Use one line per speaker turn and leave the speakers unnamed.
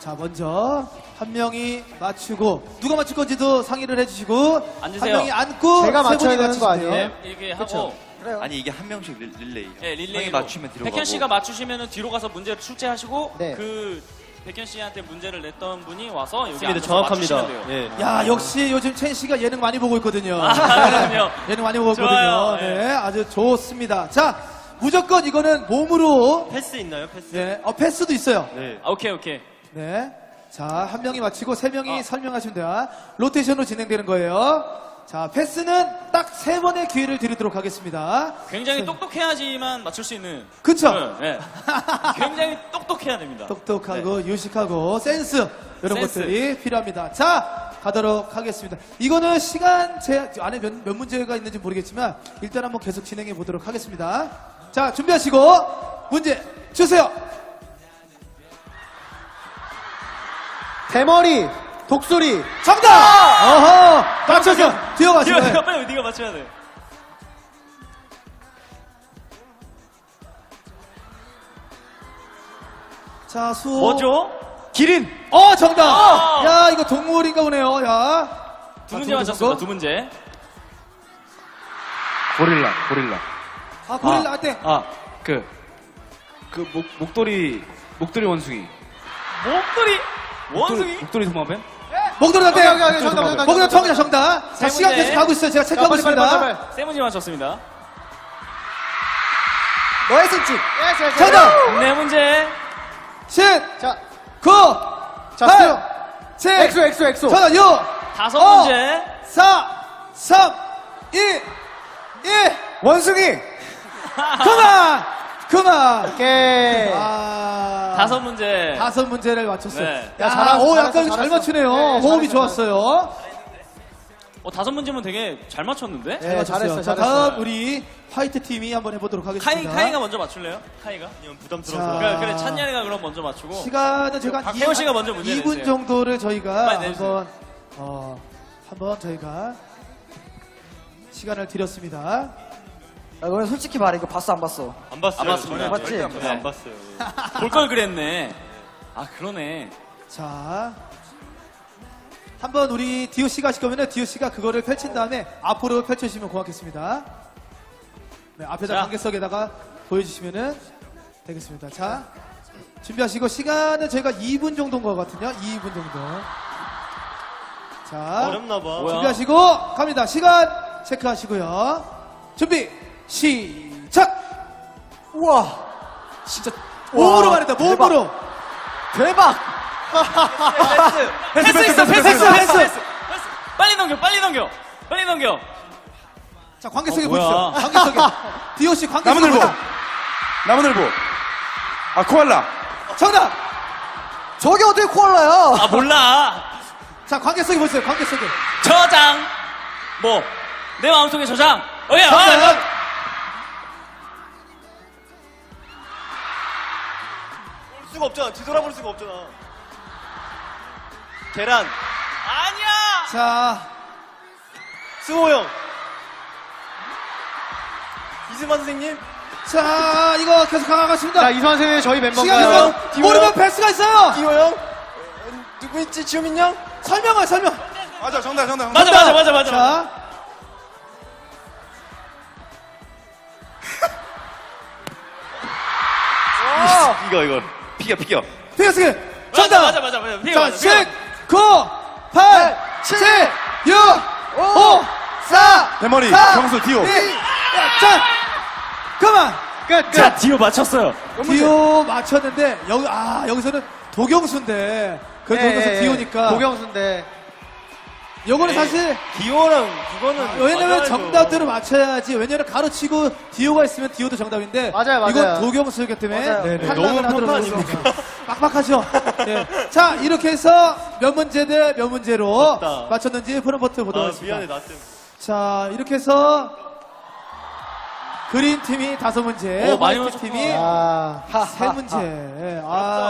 자, 먼저 한 명이 맞추고 누가 맞출 건지도 상의를 해주시고
앉으세요.
한 명이 앉고
제가
세
맞춰야
분이
되는 거
맞추시면
아니에요?
돼요.
네, 이렇게
그쵸.
하고
그래요.
아니 이게 한 명씩 릴레이.
네, 릴레이로
형이 맞추면 뒤로
백현
가고.
씨가 맞추시면 뒤로 가서 문제를 출제하시고
네.
그 백현 씨한테 문제를 냈던 분이 와서 여기
맞습니다.
앉아서
정확합니다.
맞추시면 돼요.
예.
야, 역시 요즘 첸 씨가 예능 많이 보고 있거든요.
아, 그럼요.
예능 많이 보고
좋아요.
있거든요. 네, 아주 좋습니다. 자, 무조건 이거는 몸으로.
패스 있나요? 패스?
네, 패스도 있어요.
네.
아, 오케이, 오케이.
네. 자, 한 명이 맞히고 세 명이 설명하시면 돼요. 로테이션으로 진행되는 거예요. 자, 패스는 딱 세 번의 기회를 드리도록 하겠습니다.
굉장히 똑똑해야지만 맞출 수 있는.
그쵸?
네. 굉장히 똑똑해야 됩니다.
똑똑하고 유식하고 센스 이런
센스.
것들이 필요합니다. 자, 가도록 하겠습니다. 이거는 시간 안에 몇 문제가 있는지 모르겠지만 일단 한번 계속 진행해 보도록 하겠습니다. 자, 준비하시고 문제 주세요.
대머리, 독수리.
정답! 어허! 맞춰서 뛰어가시네.
네가 빨리 네가 맞춰야 돼.
자, 수호.
뭐죠?
기린!
정답!
어!
야, 이거 동물인가 보네요. 야.
두 문제 맞췄습니다. 두 문제.
고릴라.
아, 고릴라 한테.
목도리 원숭이.
원숭이?
목도리 도마뱀?
목도리 한테.
오케이, 정답.
목도리 정답. 자,
세
시간
문제.
계속 가고 있어요. 제가 체크하고
빨리,
있습니다.
빨리.
세 문제 맞췄습니다.
너의 승진.
정답!
네 문제.
10,
자,
9,
자,
8,
수요.
7,
엑소.
정답 6,
다섯
어.
문제.
4, 3, 2, 1.
원숭이.
그만!
오케이.
다섯 문제.
다섯 문제를 맞췄어요.
네.
야,
잘했어,
약간 잘
잘했어.
맞추네요.
네,
호흡이
잘했어,
좋았어요.
다섯 문제면 되게 잘 맞췄는데?
잘
네,
맞췄어요.
잘했어,
자,
잘했어.
다음 우리 화이트 팀이 한번 해보도록 하겠습니다.
카이가 먼저 맞출래요? 카이가?
아니면 부담스러워서.
자.
그래, 찬열이가 그럼 먼저 맞추고.
시간은 제가 한
박혜원 씨가 먼저 문제
2분
내주세요.
정도를 저희가
빨리 내주세요.
한번 저희가 시간을 드렸습니다.
너네 솔직히 말해, 이거 봤어, 안 봤어?
안 봤어요.
안 봤습니다.
저는
봤지?
절대 안 봤어요.
네.
안 봤어요.
볼 걸 그랬네. 아, 그러네.
자, 한번 우리 디오 씨가 하실 거면은 디오 씨가 그거를 펼친 다음에 앞으로 펼쳐주시면 고맙겠습니다. 네, 앞에다
자.
관객석에다가 보여주시면은 되겠습니다. 자, 준비하시고 시간은 저희가 2분 정도인 것 같은요. 2분 정도. 자,
어렵나 봐.
뭐야?
준비하시고 갑니다. 시간 체크하시고요. 준비 시작.
우와, 진짜.
몸으로 말했다. 몸으로.
대박!
패스! 빨리 넘겨.
자, 관객석에
뭐야.
보시죠. 관객석에. 디오 씨 관객석에
나무늘보.
보시죠.
나무늘보. 코알라.
정답.
저게 어떻게 코알라야?
아, 몰라.
자, 관객석에 보세요. 관객석에.
저장. 뭐? 내 마음속에 저장.
정답.
볼 수가 없잖아. 뒤돌아볼 수가 없잖아. 계란.
아니야.
자,
수호 형. 이승만 선생님.
자, 이거 계속 가겠습니다.
자, 이수환 선생님 저희
시간
멤버인가요?
계속 모르면 패스가 있어요.
기호 형. 누구 있지? 지호민 형.
설명.
맞아, 정답.
맞아.
자,
이거. 피겨.
패스. 정답.
맞아.
자, 10, 9, 8, 7, 6, 5, 4,
대머리,
4,
경수, 디오.
2, 자, 그만.
끝.
자, 디오 맞췄어요.
디오 맞췄는데 여기서는 도경수인데 그 도경수 디오니까
도경수인데.
요거는 사실
기호랑 그거는.
왜냐면
맞아야죠.
정답대로 맞춰야지. 왜냐면 가로치고 디오가 있으면 디오도 정답인데
맞아요.
이건 도경수이기 때문에
맞아요.
네네.
탈락을
너무
하도록
편파
하겠습니다. 빡빡하죠. 네. 자, 이렇게 해서 몇 문제 대 몇 문제로
맞다.
맞췄는지 프롬버트 보도록
아,
하겠습니다.
미안해, 나 때문에.
자, 이렇게 해서 그린 팀이 5문제,
오, 많이
화이트
맞췄구나.
팀이
아.
3문제.